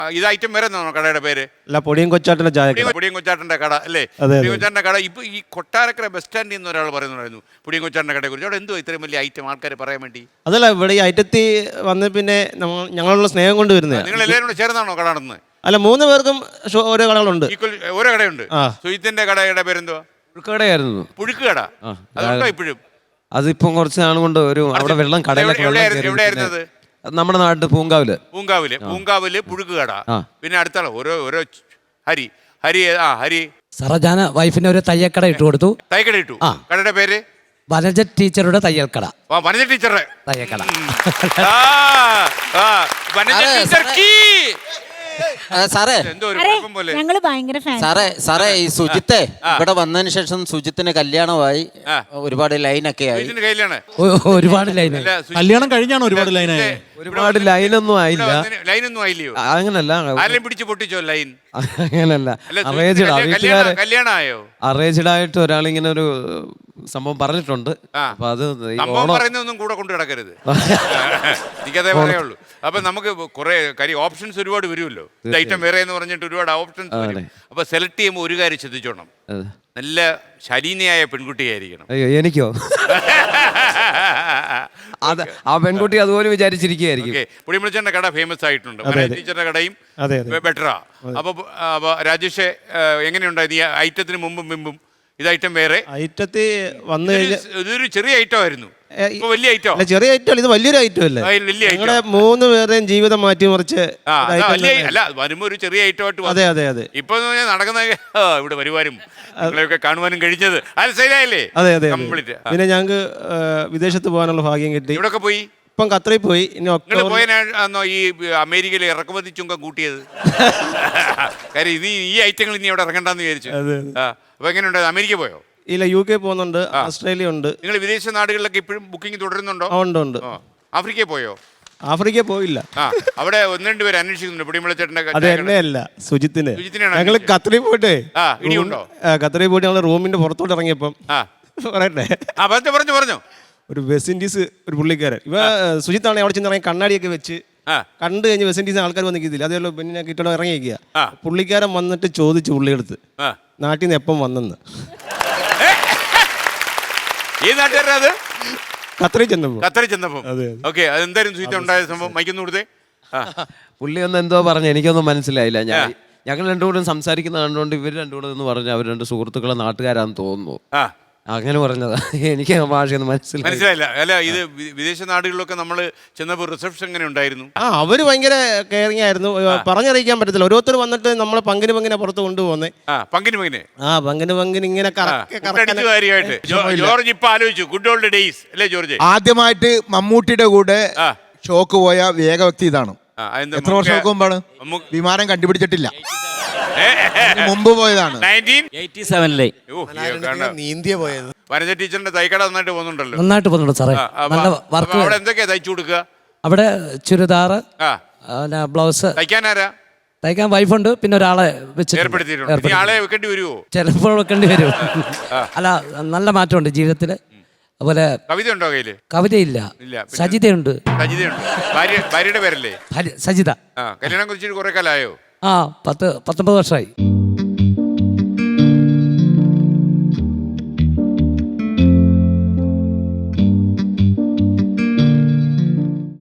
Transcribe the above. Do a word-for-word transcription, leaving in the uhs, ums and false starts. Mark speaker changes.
Speaker 1: ഇത് ഐറ്റം വേറെ എന്നാണോ കടയുടെ പേര്?
Speaker 2: അല്ല, പൊടിയും കൊച്ചാട്ടൻ്റെ ചായ.
Speaker 1: പൊടിയും കൊച്ചാട്ടൻ്റെ കട അല്ലേ? പൊടിയും കൊച്ചാട്ടൻ്റെ കട. ഇപ്പൊ ഈ കൊട്ടാരക്കര ബസ് സ്റ്റാൻഡിൽ നിന്ന് ഒരാൾ പറയുന്നുണ്ടായിരുന്നു പൊടിയും കൊച്ചാട്ടൻ്റെ കടയെ കുറിച്ച്. അവിടെ എന്തോ ഇത്രയും വലിയ ഐറ്റം ആൾക്കാർ പറയാൻ വേണ്ടി?
Speaker 2: അതല്ല, ഇവിടെ ഈ ഐറ്റത്തി വന്ന് പിന്നെ ഞങ്ങളുള്ള സ്നേഹം കൊണ്ട് വരുന്നത്.
Speaker 1: നിങ്ങൾ എല്ലാവരും കൂടെ ചേർന്നാണോ കട നടന്നത്?
Speaker 2: അല്ല, മൂന്ന് പേർക്കും ഓരോ കടകളുണ്ട്.
Speaker 1: ഓരോ കടയുണ്ട്. സുജിത്തിന്റെ കടയുടെ പേരെന്തുവാ?
Speaker 3: പുഴുക്കടയായിരുന്നു.
Speaker 1: പുഴുക്ക് കട. അതുണ്ടോ ഇപ്പോഴും?
Speaker 3: അതിപ്പം കുറച്ച് നാൾ കൊണ്ട് ഒരു അവിടെ വെള്ളം കടയിലൊക്കെ
Speaker 1: എവിടെയായിരുന്നത്?
Speaker 3: നമ്മുടെ നാട്ടിൽ പൂങ്കാവില്.
Speaker 1: പൂങ്കാവില് പൂങ്കാവില് പുഴുക്ക് കട. പിന്നെ അടുത്ത ഓരോ ഓരോ ഹരി ഹരി ആ ഹരി
Speaker 4: സാറേ, ഞാൻ വൈഫിന് ഒരു തയ്യക്കട ഇട്ട് കൊടുത്തു.
Speaker 1: തയ്യക്കട ഇട്ടു. കടയുടെ പേര്
Speaker 4: വനജ ടീച്ചറുടെ തയ്യൽക്കട.
Speaker 1: വനജ ടീച്ചറുടെ
Speaker 4: തയ്യക്കട.
Speaker 5: സാറേ
Speaker 6: ഞങ്ങള് ഭയങ്കര
Speaker 5: സാറേ സാറേ ഈ സുജിത്തെ ഇവിടെ വന്നതിന് ശേഷം സുജിത്തിന് കല്യാണമായി, ഒരുപാട് ലൈനൊക്കെ ആയി.
Speaker 4: ഒരുപാട് ലൈൻ
Speaker 7: കല്യാണം കഴിഞ്ഞാണ് ഒരുപാട് ലൈനായി.
Speaker 3: ഒരുപാട് ലൈനൊന്നും ആയില്ല.
Speaker 1: ലൈനൊന്നും ആയില്ലയോ?
Speaker 3: അങ്ങനല്ല,
Speaker 1: ആരെയും പിടിച്ച് പൊട്ടിച്ചോ ലൈൻ?
Speaker 3: അങ്ങനല്ല. അറേഞ്ച്ഡ്
Speaker 1: കല്യാണമായോ?
Speaker 3: അറേഞ്ച്ഡ് ആയിട്ട് ഒരാളിങ്ങനെ ഒരു സംഭവം പറഞ്ഞിട്ടുണ്ട്. അപ്പൊ അത്
Speaker 1: പറയുന്നൊന്നും കൂടെ കൊണ്ടു കിടക്കരുത്. എനിക്കതേ പറയുള്ളൂ. അപ്പൊ നമുക്ക് കുറെ കാര്യം ഓപ്ഷൻസ് ഒരുപാട് വരുമല്ലോ. ഐറ്റം വേറെ എന്ന് പറഞ്ഞിട്ട് ഒരുപാട് ഓപ്ഷൻസ് വരും. അപ്പൊ സെലക്ട് ചെയ്യുമ്പോൾ ഒരു കാര്യം ശ്രദ്ധിച്ചോണം, നല്ല ശലീനയായ പെൺകുട്ടിയായിരിക്കണം.
Speaker 3: അയ്യോ, എനിക്കോ? അത് ആ പെൺകുട്ടി അതുപോലെ വിചാരിച്ചിരിക്കുകയായിരിക്കും.
Speaker 1: പുളിമുളിച്ചന്റെ കട ഫേമസ് ആയിട്ടുണ്ട്. ടീച്ചറിന്റെ കടയും ബെറ്ററാ. അപ്പൊ രാജേഷ് എങ്ങനെയുണ്ടായിരുന്നു ഈ ഐറ്റത്തിന് മുമ്പും മുമ്പും? ഇത് ഐറ്റം വേറെ.
Speaker 2: ഐറ്റത്തിൽ വന്നു കഴിഞ്ഞാൽ
Speaker 1: ഇതൊരു ചെറിയ ഐറ്റം ആയിരുന്നു. വലിയ ഐറ്റം അല്ല,
Speaker 2: ചെറിയ ഐറ്റം. ഇത് വലിയൊരു ഐറ്റം അല്ലേ? ഞങ്ങളുടെ മൂന്ന് പേരുടെയും ജീവിതം മാറ്റിമറിച്ച്
Speaker 1: അല്ല, വരുമ്പോ ഒരു ചെറിയ ഐറ്റം ആയിട്ട്. അതെ അതെ അതെ. ഇപ്പൊ നടക്കുന്ന ഇവിടെ വരുവാനും നിങ്ങളെയൊക്കെ കാണുവാനും കഴിഞ്ഞത് ശരിയായില്ലേ?
Speaker 2: അതെ അതെ. പിന്നെ ഞങ്ങൾക്ക് വിദേശത്ത് പോകാനുള്ള ഭാഗ്യം കിട്ടി.
Speaker 1: ഇവിടെ പോയി.
Speaker 2: ഇപ്പം ഖത്തറിൽ പോയി. ഇനി
Speaker 1: പോയാണോ ഈ അമേരിക്കയിൽ ഇറക്കുമതി ചുങ്കം കൂട്ടിയത്? കാര്യം ഇത് ഈ ഐറ്റങ്ങൾ ഇനി അവിടെ ഇറങ്ങണ്ടെന്ന് വിചാരിച്ചു. അപ്പൊ എങ്ങനെയുണ്ട്? അമേരിക്ക പോയോ?
Speaker 2: ഇല്ല, യു കെ പോകുന്നുണ്ട്, ഓസ്ട്രേലിയ ഉണ്ട്.
Speaker 1: നിങ്ങൾ വിദേശ നാടുകളിലൊക്കെ ഇപ്പോഴും ബുക്കിംഗ് തുടരുന്നുണ്ടോ?
Speaker 2: ഉണ്ട് ഉണ്ട്.
Speaker 1: ആഫ്രിക്കയിൽ പോയോ?
Speaker 2: ആഫ്രിക്ക പോയില്ല.
Speaker 1: അവിടെ ഒന്ന് രണ്ട് പേര് അന്വേഷിക്കുന്നുണ്ട് പൊടിമുളച്ചേട്ടന്റെ.
Speaker 2: അത് എന്നെയല്ല, സുജിത്തിന്. ഞങ്ങൾ ഖത്തറിൽ പോയിട്ടേ ഖത്തറിൽ പോയിട്ട് ഞങ്ങൾ റൂമിന്റെ പുറത്തോട്ട് ഇറങ്ങിയപ്പം പറയട്ടെ,
Speaker 1: പറഞ്ഞു പറഞ്ഞു
Speaker 2: ഒരു വെസ്റ്റ് ഇൻഡീസ് ഒരു പുള്ളിക്കാരൻ, ഇവ സുജിത്താണ് അവിടെ ചെന്ന് ഇറങ്ങി കണ്ണാടിയൊക്കെ വെച്ച് കണ്ടു കഴിഞ്ഞ് വെസ്റ്റ് ഇൻഡീസ് ആൾക്കാർ വന്നിക്കില്ല. അതേല്ലോ പിന്നെ കിട്ടണോ ഇറങ്ങിയിരിക്കുക. പുള്ളിക്കാരൻ വന്നിട്ട് ചോദിച്ചു പുള്ളിയെടുത്ത് നാട്ടിൽ നിന്ന് എപ്പം വന്നെന്ന്.
Speaker 1: ഈ നാട്ടുകാരൻ അത്
Speaker 2: ഖത്തറിൽ ചെന്നപ്പോ
Speaker 1: ഖത്തറിൽ ചെന്നപ്പോ ഓക്കെ. അതെന്തായാലും സുജിത്ത് ഉണ്ടായ സംഭവം മൈക്കൊന്നു കൊടുത്തേ.
Speaker 3: പുള്ളി ഒന്ന് എന്തോ പറഞ്ഞു, എനിക്കൊന്നും മനസ്സിലായില്ല. ഞാൻ ഞങ്ങൾ രണ്ടുകൂടും സംസാരിക്കുന്ന കണ്ടുകൊണ്ട് ഇവർ രണ്ടുകൂടെ എന്ന് പറഞ്ഞു അവർ രണ്ട് സുഹൃത്തുക്കളെ നാട്ടുകാരാന്ന് തോന്നുന്നു. അങ്ങനെ പറഞ്ഞതാ. എനിക്ക് ഭാഷയൊന്നും മനസ്സിലായി
Speaker 1: മനസ്സിലായില്ല. അല്ല, ഇത് വിദേശ നാടുകളിലൊക്കെ നമ്മൾ ചെന്നപ്പോൾ റിസപ്ഷൻ എങ്ങനെ ഉണ്ടായിരുന്നു?
Speaker 2: ആ, അവര് ഭയങ്കര കെയറിങ് ആയിരുന്നു. പറഞ്ഞറിയിക്കാൻ പറ്റത്തില്ല. ഓരോരുത്തർ വന്നിട്ട് നമ്മളെ പങ്കിന് പങ്കിനെ പുറത്ത് കൊണ്ടുപോകുന്നേ.
Speaker 1: പങ്കിന് പങ്കിന്
Speaker 2: ആ പങ്കിന് പങ്കിന് ഇങ്ങനെ
Speaker 1: കാര്യമായിട്ട്. ജോർജ് ഇപ്പൊ ആലോചിച്ചു ഗുഡ് ഓൾഡ് ഡേയ്സ് അല്ലേ ജോർജ്?
Speaker 8: ആദ്യമായിട്ട് മമ്മൂട്ടിയുടെ കൂടെ ഷോക്ക് പോയ വേഗവ്യക്തി ഇതാണ്. എത്ര വർഷം മുമ്പാണ്? വിമാനം കണ്ടുപിടിച്ചിട്ടില്ല, മുമ്പ് പോയതാണ്.
Speaker 2: നീന്തിയ പോയത്.
Speaker 1: വനജ ടീച്ചറിന്റെ തൈക്കട നന്നായിട്ട് പോകുന്നുണ്ടല്ലോ.
Speaker 4: നന്നായിട്ട് പോകുന്നുണ്ട് സാറേ.
Speaker 1: അവിടെ എന്തൊക്കെയാ തയ്ച്ചു കൊടുക്കുക?
Speaker 4: അവിടെ ചുരിദാറ്, ബ്ലൗസ്.
Speaker 1: തയ്ക്കാനാരാ?
Speaker 4: തയ്ക്കാൻ വൈഫുണ്ട്, പിന്നെ ഒരാളെ
Speaker 1: വെച്ചിട്ടുണ്ട്. ആളെ വെക്കേണ്ടി വരുമോ?
Speaker 4: ചിലപ്പോൾ വെക്കേണ്ടി വരും. അല്ല, നല്ല മാറ്റമുണ്ട് ജീവിതത്തില്. അതുപോലെ
Speaker 1: കവിത ഉണ്ടോ കയ്യില്?
Speaker 4: കവിതയില്ല, സജിതയുണ്ട്.
Speaker 1: സജിതയുണ്ട്. ഭാര്യയുടെ പേരല്ലേ?
Speaker 4: സജിത.
Speaker 1: കല്യാണം കുറിച്ചിട്ട് കുറെ കാലമായോ?
Speaker 4: ആ, പത്ത് പത്തൊമ്പത് വർഷമായി.